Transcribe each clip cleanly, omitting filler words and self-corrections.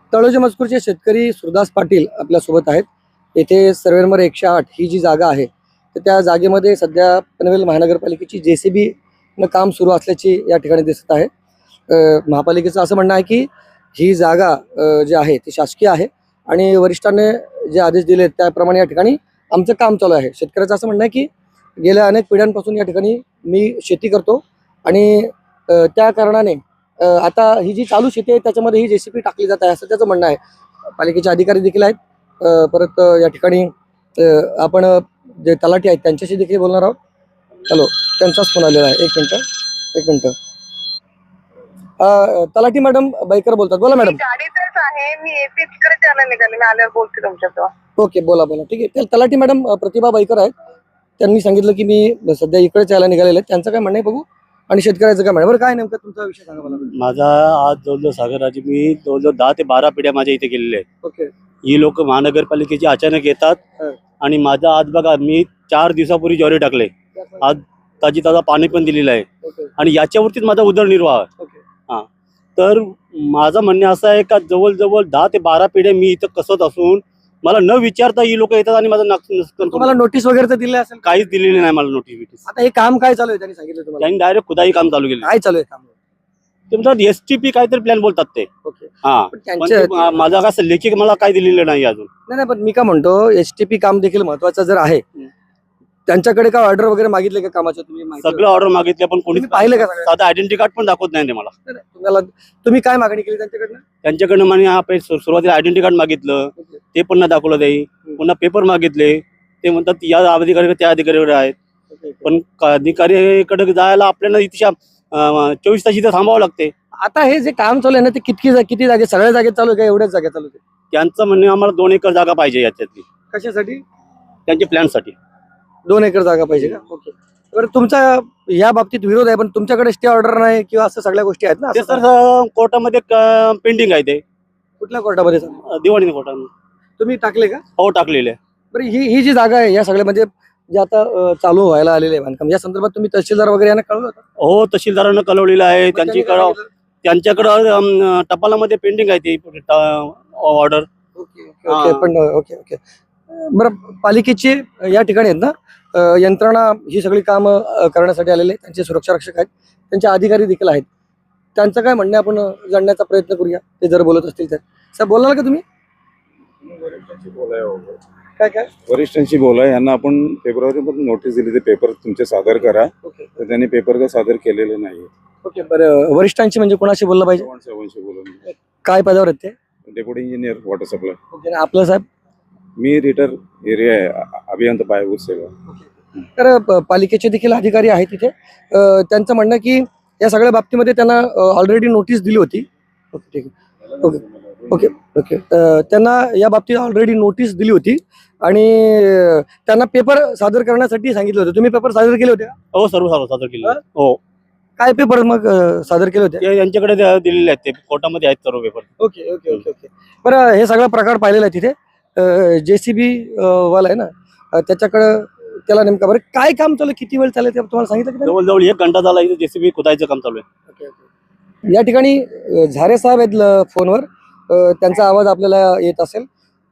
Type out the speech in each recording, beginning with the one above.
तळोजा मजकूरचे शेतकरी सुरदास पाटील आपल्यासोबत आहेत. येथे सर्वे नंबर 108 ही जी जागा आहे तर त्या जागेमध्ये सध्या पनवेल महानगरपालिकेची JCB न काम सुरू असल्याची या ठिकाणी दिसत आहे. महापालिकेचं असं म्हणणं आहे की ही जागा जी आहे ती शासकीय आहे आणि वरिष्ठांनी जे आदेश दिले त्याप्रमाणे या ठिकाणी आमचं काम चालू आहे. शेतकऱ्याचं असं म्हणणं आहे की गेल्या अनेक पिढ्यांपासून या ठिकाणी मी शेती करतो आणि त्या कारणाने आता ही जी चालू शेती आहे त्याच्यामध्ये ही JCB टाकली जात आहे असं त्याचं म्हणणं आहे. पालिकेचे अधिकारी देखील आहेत. परत या ठिकाणी आपण जे तलाठी आहेत त्यांच्याशी देखील बोलणार आहोत. हॅलो, त्यांचाच फोन आलेला आहे. एक मिनिट. तलाठी मॅडम बाईकर बोलतात. बोला मॅडम. गाडीतच आहे मी, येते तिकडे त्याला निघाले, मी आल्यावर बोलते तुमच्यासोबत. ओके, बोला. ठीक आहे. तलाठी मॅडम प्रतिभा बाईकर आहेत. त्यांनी सांगितलं की मी सध्या इकडेच यायला निघालेले आहेत. त्यांचं काय म्हणणं आहे बघू आणि शेतकऱ्याचं काय म्हणणं. बरं, काय नेमकं तुमचा विषय सांगा मला. माझा आज जवळजवळ सागरराजे मी जवळजवळ 10 ते 12 पिढ्या माझ्या इथे गेलेल्या आहेत. ओके. ही लोक महानगरपालिकेची अचानक येतात आणि माझा आज बघा मी 4 दिवसापूर्वी ज्वारी टाकले, आज ताजा पाणी पण दिलेलं आहे आणि याच्यावरतीच माझा उदरनिर्वाह आहे. हां, तर माझं म्हणणं असं आहे का जवळजवळ 10 ते 12 पिढ्या मी इथं कसत असून मला न विचारता ही लोक येतात आणि माझं तुम्हाला नोटीस वगैरे तर दिली असेल? काहीच दिलेली नाही मला नोटीस. आता हे काम काय चालू आहे त्यांनी सांगितलं तुम्हाला? त्यांनी डायरेक्ट खुदाई काम चालू केलं. काय चालू आहे काम? ते म्हणतात STP काहीतरी प्लॅन बोलतात ते. ओके. हा, पण त्यांच्या माझा कसं लेखी मला काय दिलेलं नाही अजून. नाही, पण मी काय म्हणतो STP काम देखील महत्वाचं जर आहे त्यांच्याकडे काय ऑर्डर वगैरे मागितले का कामाचं? तुम्ही सगळं ऑर्डर मागितले पण कोणी पाहिलं का? साधा आयडेंटिटी कार्ड पण दाखवत नाही ते मला. तुम्ही काय मागणी केली त्यांच्याकडनं? त्यांच्याकडनं म्हणे हा सुरुवातीला आयडेंटिटी कार्ड मागितलं, ते पण नाही दाखवलं ते. पुन्हा पेपर मागितले, ते म्हणतात या अधिकारी त्या अधिकारीकडे आहेत. पण अधिकारीकडे जायला आपल्याला इतक्या 24 तास इथे थांबावं लागते. आता हे जे काम चालू आहे ना ते किती जागे, सगळ्या जागेत चालू आहे का एवढ्याच जागेत चालू आहे? त्यांचं म्हणणं आम्हाला 2 एकर जागा पाहिजे याच्यातली. कशासाठी? त्यांच्या प्लॅनसाठी 2 एकर जागा पाहिजे का? ओके. बरं, तुमचा या बाबतीत विरोध आहे पण तुमच्याकडे स्टे ऑर्डर नाही किंवा असं सगळ्या गोष्टी आहेत ना? ते सर कोर्टामध्ये पेंडिंग आहे. ते कुठल्या कोर्टामध्ये? दिवाणी कोर्टामध्ये. तुम्ही टाकले का? हो, टाकलेले. बरं, ही जी जागा आहे या सगळ्या म्हणजे जे आता चालू व्हायला आलेले आहे बांधकाम, या संदर्भात तुम्ही तहसीलदार वगैरे यांना कळवलं होतं? हो, तहसीलदारांना कळवलेलं आहे. त्यांच्याकडं टपालामध्ये पेंडिंग आहे ती ऑर्डर. ओके. बरं, पालिकेची या ठिकाणी आहेत ना यंत्रणा ही सगळी कामं करण्यासाठी आलेले, त्यांचे सुरक्षा रक्षक आहेत, त्यांचे अधिकारी देखील आहेत. त्यांचं काय म्हणणं आपण जाणण्याचा प्रयत्न करूया, ते जर बोलत असतील तर. सर, बोलाल का तुम्ही? काय वरिष्ठांशी बोला. यांना आपण फेब्रुवारीमध्ये नोटीस दिली, ते पेपर तुमचे सादर करा. तर त्यांनी पेपर का सादर केलेले नाही. ओके. बरं, वरिष्ठांशी म्हणजे कोणाशी बोललं पाहिजे? साहेबांशी बोला. काय पदावर आहेत ते? Deputy engineer water supply. Okay. आपलं साहेब? मी रिटायर एरिया आहे, अभियंता पायाभूत सेवा. तर पालिकेचे देखील अधिकारी आहेत तिथे. त्यांचं म्हणणं की या सगळ्या बाबतीमध्ये त्यांना ऑलरेडी नोटीस दिली होती. ओके, ठीक आहे. ओके. त्यांना या बाबतीत ऑलरेडी नोटीस दिली होती आणि त्यांना पेपर सादर करण्यासाठी सांगितलं होतं. तुम्ही पेपर सादर केले होते का? हो, सर्व सादर केले. हो. काय पेपर मग सादर केले होते? यांच्याकडे दिलेले आहेत, ते कोर्टामध्ये आहेत सर्व पेपर. ओके. बरं, हे सगळा प्रकार पाहिलेला आहे तिथे. JCB वाला आहे ना त्याच्याकडं, त्याला नेमका बरं काय काम चालू, किती वेळ चालेल ते तुम्हाला सांगितलं की? जवळजवळ 1 घंटा झाला इथे JCB खोदायचं काम चालू आहे. या ठिकाणी झारे साहेब आहेत फोनवर. त्यांचा आवाज आपल्याला येत असेल.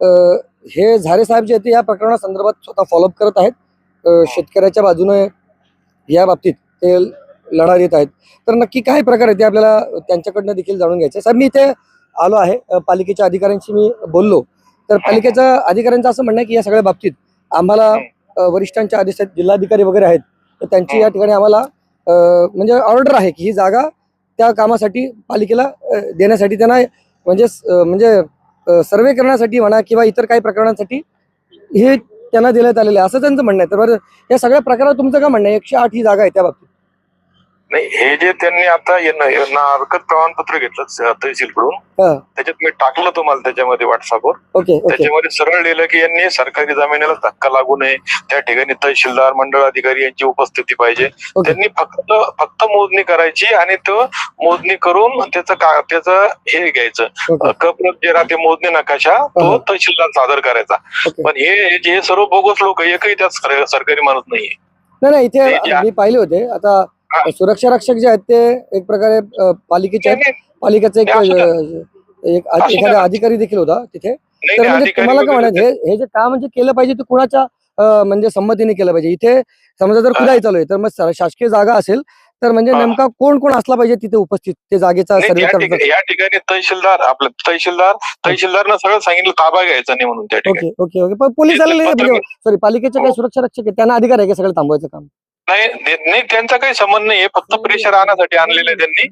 हे झारे साहेब जे आहेत या प्रकरणासंदर्भात स्वतः फॉलोअप करत आहेत. शेतकऱ्याच्या बाजूने या बाबतीत ते लढा देत आहेत. तर नक्की काय प्रकार आहे ते आपल्याला त्यांच्याकडनं देखील जाणून घ्यायचं. साहेब, मी इथे आलो आहे, पालिकेच्या अधिकाऱ्यांशी मी बोललो. तर पालिकेच्या अधिकाऱ्यांचं असं म्हणणं आहे की या सगळ्या बाबतीत आम्हाला वरिष्ठांच्या आदेश आहेत, जिल्हाधिकारी वगैरे आहेत, तर त्यांची या ठिकाणी आम्हाला म्हणजे ऑर्डर आहे की ही जागा त्या कामासाठी पालिकेला देण्यासाठी त्यांना म्हणजे सर्वे करण्यासाठी म्हणा किंवा इतर काही प्रकरणांसाठी हे त्यांना देण्यात आलेलं आहे असं त्यांचं म्हणणं आहे. तर बरं, या सगळ्या प्रकारात तुमचं काय म्हणणं आहे? 108 ही जागा आहे त्या बाबतीत. नाही, हे जे त्यांनी आता हरकत प्रमाणपत्र घेतलं तहसीलकडून, त्याच्यात मी टाकलं तुम्हाला त्याच्यामध्ये व्हॉट्सअपवर. त्याच्यामध्ये सरळ लिहिलं की यांनी सरकारी जमिनीला धक्का लागू नये, त्या ठिकाणी तहसीलदार, मंडळ अधिकारी यांची उपस्थिती पाहिजे. त्यांनी फक्त मोजणी करायची आणि तो मोजणी करून त्याचं हे घ्यायचं, कप्रत जे राहते मोजणी नकाशा, तो तहसीलदार सादर करायचा. पण हे सर्व बोगस लोक, एकही त्यात सरकारी माणूस नाहीये. नाही, इथे मी पाहिले होते. आता सुरक्षा रक्षक जे आहेत ते एक प्रकारे पालिकेचे आहेत, पालिकेचं एक एखादा अधिकारी देखील होता तिथे. नाही, तर नाही, म्हणजे अधिकारी तुम्हाला काय वगैरे म्हणायचं हे जे काम म्हणजे केलं पाहिजे ते कुणाच्या म्हणजे संमतीने केलं पाहिजे. इथे समजा जर खुदाई चालू आहे तर मग शासकीय जागा असेल तर म्हणजे हा. नेमका कोण कोण असला पाहिजे तिथे उपस्थित ते जागेचा नाही, सर्वे करतात. या ठिकाणी तहसीलदारनं सगळं सांगितलं ताबा घ्यायचा नाही म्हणून त्या ठिकाणी. ओके ओके ओके पण पोलीस आलेले पत्र- म्हणजे सॉरी पालिकेचे काही हो. सुरक्षा रक्षक आहेत त्यांना अधिकार आहे का सगळं थांबवायचं काम? नाही, त्यांचा काही संबंध नाहीये, फक्त प्रेशर आणण्यासाठी आणलेलं आहे त्यांनी.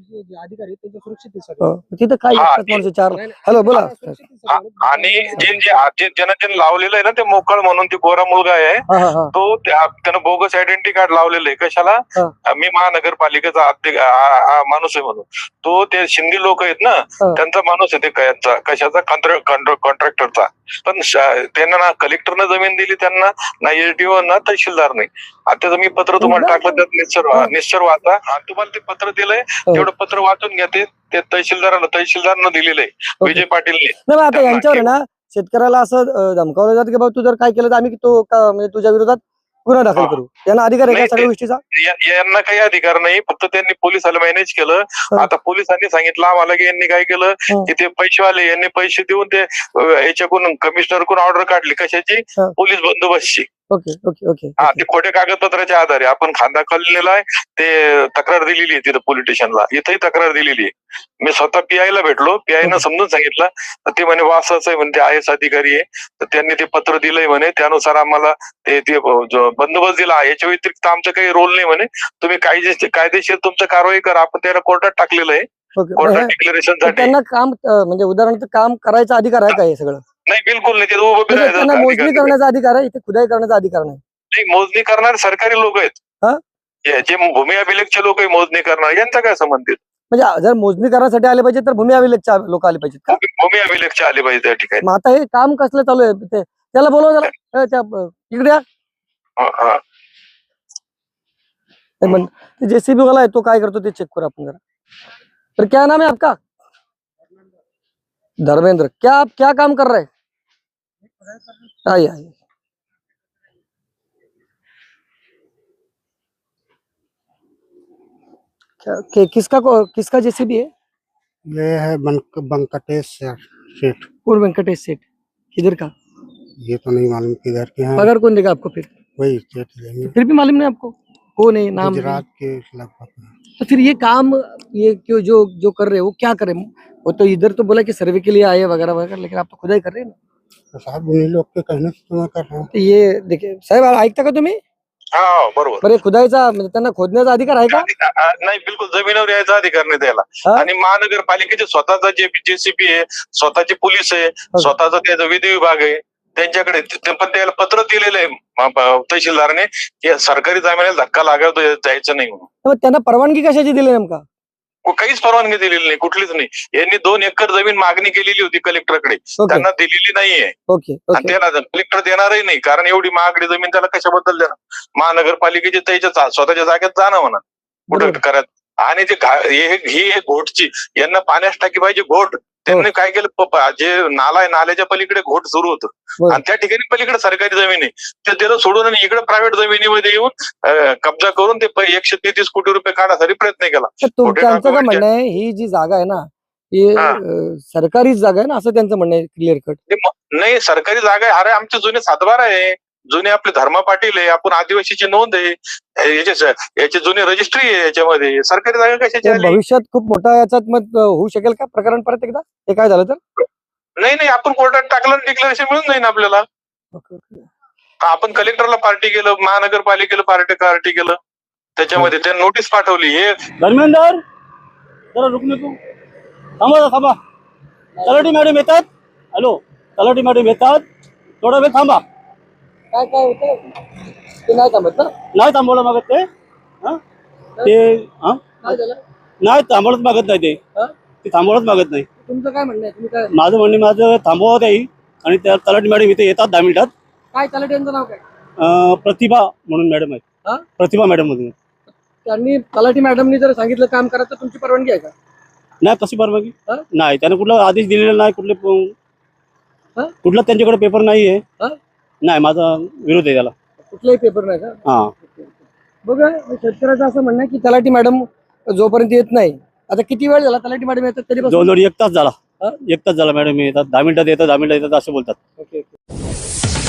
तिथे काय हा, लागतात माणसं चार. हॅलो बोला. आणि ज्यानं लावलेलं आहे ना ते मोकळ म्हणून ते गोरा मुलगा आहे हा हा हा तो त्यानं बोगस आयडेंटिटी कार्ड लावलेलं आहे. कशाला? मी महानगरपालिकेचा माणूस आहे म्हणून. तो ते शिंदे लोक आहेत ना त्यांचा माणूस आहे ते कशाचा कॉन्ट्रॅक्टरचा. पण त्यांना ना कलेक्टरनं जमीन दिली त्यांना, ना एसडीओ ना तहसीलदार नाही. आता मी पत्र तुम्हाला टाकलं त्यात निश्चर वाचा. आणि तुम्हाला ते पत्र दिलंय तेवढं पत्र वाचून घ्या. ते तहसीलदारनं दिलेलं आहे विजय पाटीलने. नाही आता यांच्यावर आहे ना शेतकऱ्याला असं धमकावलं जातं की बाबा तू जर काय केलं तर आम्ही म्हणजे तुझ्या विरोधात गुन्हा दाखल करू. यांना अधिकार आहे का सगळ्या गोष्टीचा? यांना काही अधिकार नाही, फक्त त्यांनी पोलिसाला मॅनेज केलं. आता पोलिसांनी सांगितलं आम्हाला की यांनी काय केलं की ते पैसेवाले यांनी पैसे देऊन ते याच्याकडून कमिशनरकडून ऑर्डर काढली. कशाची? पोलीस बंदोबस्तची. ओके ओके ओके हा, ते खोट्या कागदपत्राच्या आधारे आपण खांदा खाल्लेला आहे. ते तक्रार दिलेली आहे तिथं पोलीस स्टेशनला. इथंही तक्रार दिलेली आहे. मी स्वतः पीआयला भेटलो. पीआयनं समजून सांगितलं तर ते म्हणे वासाचं आहे म्हणे, आय एस अधिकारी आहे. तर त्यांनी ते पत्र दिलंय म्हणे, त्यानुसार आम्हाला ते बंदोबस्त दिला. याच्या व्यतिरिक्त आमचं काही रोल नाही म्हणे. तुम्ही कायदेशीर तुमचं कारवाई करा. आपण त्याला कोर्टात टाकलेलं आहे. कोर्टात डिक्लेरेशन साठी. त्यांना काम म्हणजे उदाहरणार्थ काम करायचा अधिकार आहे का हे सगळं? नाही, बिलकुल नाही. ते उभं त्यांना राहायचं मोजणी करण्याचा अधिकार आहे, इथे खुदाई करण्याचा अधिकार नाही. मोजणी करणारे सरकारी लोक आहेत. जे भूमी अभिलेखचे लोक आहे मोजणी करणार, यांचा काय संबंध आहे? म्हणजे जर मोजणी करण्यासाठी आले पाहिजे तर भूमी अभिलेखच्या लोक आले पाहिजेत का? भूमी अभिलेखचे आले पाहिजे त्या ठिकाणी. मग आता हे काम कसलं चालू आहे ते त्याला बोलवा जरा इकडे या. जेसीबी वाला आहे तो काय करतो ते चेक करू आपण जरा. तर क्या नाम है आपका? धर्मेंद्र. आप क्या काम कर रहे हैं? आइए आइए. किसका जेसीबी है? ये है वेंकटेश सेठ। कौन वेंकटेश सेठ? किधर का? ये तो नहीं मालूम किधर के हैं। पगार कौन देगा आपको फिर? वही सेठ देंगे। फिर भी मालूम नहीं आपको कौन है नाम? गुजरात के लगभग। तो फिर ये काम ये क्यों जो कर रहे हो वो क्या करें? वो तो इधर तो बोला कि सर्वे के लिए आए वगैरह वगैरह, लेकिन आप तो खुदाई कर रहे हैं ना. तो साहब उन्हीं लोग के कहने से तो मैं कर रहा हूँ। तो ये देखिए साहेब ऐकता का तुम्ही? हा, बरोबर. बरे खुदाईचा म्हणजे त्यांना खोदण्याचा अधिकार आहे का? नाही, बिलकुल जमिनीवर यायचा अधिकार नाही त्याला. आणि महानगरपालिकेचे स्वतःचा जेसीबी आहे, स्वतःचे पोलीस आहे, स्वतःचा त्याचा विधी विभाग आहे त्यांच्याकडे. पण त्याला पत्र दिलेलं आहे तहसीलदारने की सरकारी जमिनीला धक्का लागतो जायचं नाही म्हणून. मग त्यांना परवानगी कशाची दिली नेमका? काहीच परवानगी दिलेली नाही, कुठलीच नाही. यांनी 2 एकर जमीन मागणी केलेली होती कलेक्टरकडे, त्यांना दिलेली नाहीये. ओके आणि त्याला कलेक्टर देणारही नाही, कारण एवढी महागडी जमीन त्याला कशाबद्दल देणार? महानगरपालिकेच्या त्याच्या स्वतःच्या जागेत जाणं म्हणा कुठं करत. आणि ही घोटची यांना पाण्यास टाकी पाहिजे घोट. त्यांनी काय केलं, जे नाला आहे नाल्याच्या पलीकडे घोट सुरू होतं आणि त्या ठिकाणी पलीकडे सरकारी जमीन आहे ते त्याला सोडून आणि इकडे प्रायव्हेट जमिनीमध्ये येऊन कब्जा करून ते 133 कोटी रुपये काढण्यासाठी प्रयत्न केला. त्यांचं काय म्हणणं आहे ही जी जागा आहे ना ही सरकारी जागा आहे ना असं त्यांचं म्हणणं आहे क्लिअर कट. नाही, सरकारी जागा आहे. अरे आमचे जुने 7/12 आहे, जुने आपले धर्मा पाटील आहे, आपण आदिवासीची नोंद आहे, याची जुनी रजिस्ट्री आहे, याच्यामध्ये सरकारी जागा कशाची आली? भविष्यात खूप मोठा याच्यात मत होऊ शकेल का प्रकरण परत एकदा हे काय झालं तर? नाही, आपण कोर्टात टाकलं डिक्लेरेशन मिळून जाईल आपल्याला. आपण कलेक्टरला पार्टी केलं, महानगरपालिकेला पार्टी केलं, त्याच्यामध्ये त्यांनी नोटीस पाठवली. हे धर्मेंद्र जरा रुक तू थांबा. तलाठी मॅडम येतात. हॅलो, तलाठी मॅडम येतात, थोडा वेळ थांबा. काय होतं ते नाही थांबत ना? नाही थांबवलं मागत ते नाही थांबवलंच मागत नाही ते थांबवलंच मागत नाही. तुमचं काय म्हणणं आहे? तुम्ही काय माझं म्हणणे माझं थांबवत आहे. आणि त्या तलाठी मॅडम इथे येतात 10 मिनिटात. काय तलाठ्यांचं नाव काय? प्रतिभा म्हणून मॅडम आहेत. प्रतिभा मॅडम म्हणून. त्यांनी तलाठी मॅडमनी जर सांगितलं काम करा तर तुमची परवानगी आहे का? नाही, कशी परवानगी नाही. त्याने कुठला आदेश दिलेला नाही, कुठला त्यांच्याकडे पेपर नाही आहे. नाही, माझा विरोध आहे त्याला. कुठलाही पेपर नाही का? हा, बघा शेतकऱ्याचं असं म्हणणं आहे की तलाठी मॅडम जोपर्यंत येत नाही, आता किती वेळ झाला तलाठी मॅडम येतात तरी 2 तास झाला. एक तास झाला मॅडम, येतात 10 मिनिटात येतात, 10 मिनिटात येतात असं बोलतात. ओके.